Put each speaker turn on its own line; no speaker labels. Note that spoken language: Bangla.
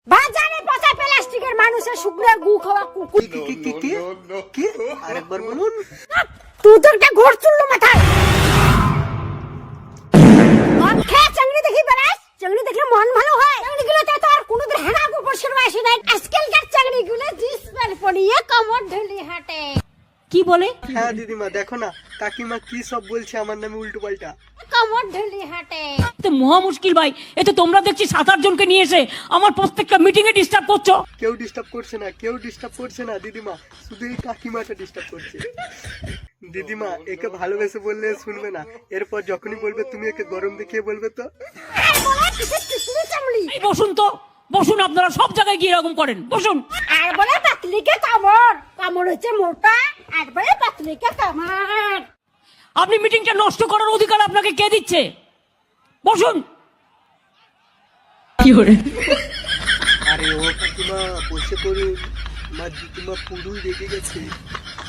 বাজারে পচা প্লাস্টিকের মানুষের শুকনো গু খাওয়া কুকুর।
কি আরেকবার বলুন।
তুই তো একটা ঘোর চুল্লু মাথায়। মদ খেয়ে চাংড়ি দেখি বেড়াস, চাংড়ি দেখলে মন ভালো হয়। চাংড়িগুলোতে তো আর কোনোদিন হেনা গোবর সেরবা আসে নাই। আজকালকার চাংড়িগুলো জিন্সপ্যান্ট পরিয়ে কোমর ঢেলে হাঁটে। কি বলে?
হ্যাঁ দিদিমা, দেখো না কাকিমা কি সব বলছে আমার নামে উল্টো পাল্টা।
কোমর ঢেলে হাঁটে।
তো মহা মুশকিল ভাই। এতে তোমরা দেখছি 7-8 জনকে নিয়ে এসে আমার প্রত্যেকটা মিটিং এ ডিস্টার্ব করছো।
কেউ ডিস্টার্ব করছে না দিদিমা, শুধু এই কাকিমাটা ডিস্টার্ব করছে। দিদিমা, একে ভালোবেসে বললে শুনবে না, এরপর যখনই বলবে তুমি একে গরম দেখিয়ে বলবে তো।
আর বলে কিসের কিসের চামড়ি।
এই বসুন তো, বসুন, আপনারা সব জায়গায় গিয়ে এরকম করেন, বসুন।
আর বলে পাতলিকে কামড়, কামড় হচ্ছে মোটা। আর বলে পাতলিকে কামড়।
আপনি মিটিংটা নষ্ট করার অধিকার আপনাকে কে দিচ্ছে? বসুন।
আরে ও কাকিমা বসে পড়ুন, আমার দিদিমা পুরোই রেগে গেছে।